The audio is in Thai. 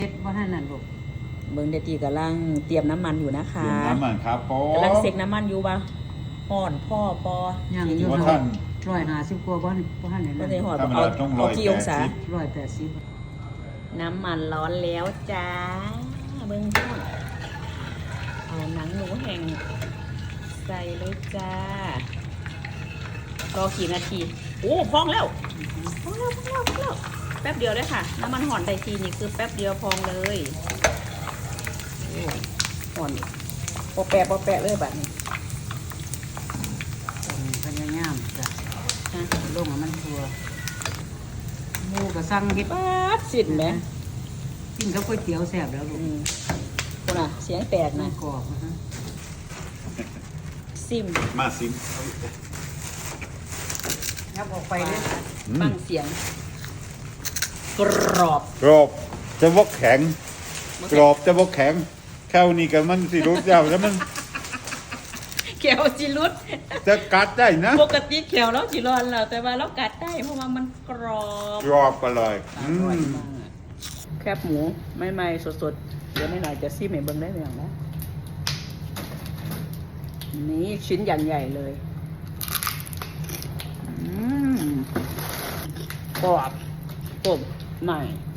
เฮ็ดว่าให้นั่นลูกเบิ่งเดตีกำลังเตรียมน้ำมันอยู่นะคะเตรียมน้ำมันครับปอกำลังเสกน้ำมันอยู่ป่ะห่อนพ่อปอยังทีอยู่ว่าเนาะท่าน 150กว่าบ่ให้นั่นก็ได้ห่อนธรรมเอาดาต้องเอากี่องศา 180 น้ำมันร้อนแล้วจ้าเบิ่งพ่อเอาหนังหมูแห้งใส่เลยจ้ารอกี่นาทีโอ้พองแล้วพองแล้วแป๊บเดียวเลยค่ะน้ำมันห่อนได้ทีนี่คือแป๊บเดียวพองเลยโอ้ห่อนปอแปะเลยแบบนี้พยายามจ้ะนะลงให้มันทั่วหมูก็สั่งเฮ็ดป๊าดสินไหมกินกับก๋วยเตี๋ยวแซ่บแล้วลูกคุณอ่ะเสียงแตกมันะนกรอบนะฮะซิมมาซิมยับออกไปเลยฟังเสียง กรอบกรอบจะวกแข็ง กรอบจะวกแข็งแค่นี้กันมันสิรู้เจ้าแล้วมันแขวจิรุดจะกัดได้นะปกติแขวเราจิร้อนแล้วแต่ว่าเรากัดได้เพราะว่ามันกรอบกรอบอร่อยอร่อยมากแคบหมูไม่ไหม้สดๆเดี๋ยวไม่หน่อยจะซิมให้เบิ่งได้เลยนะนี่ชิ้นอย่างใหญ่เลยกรอบต้มใหม่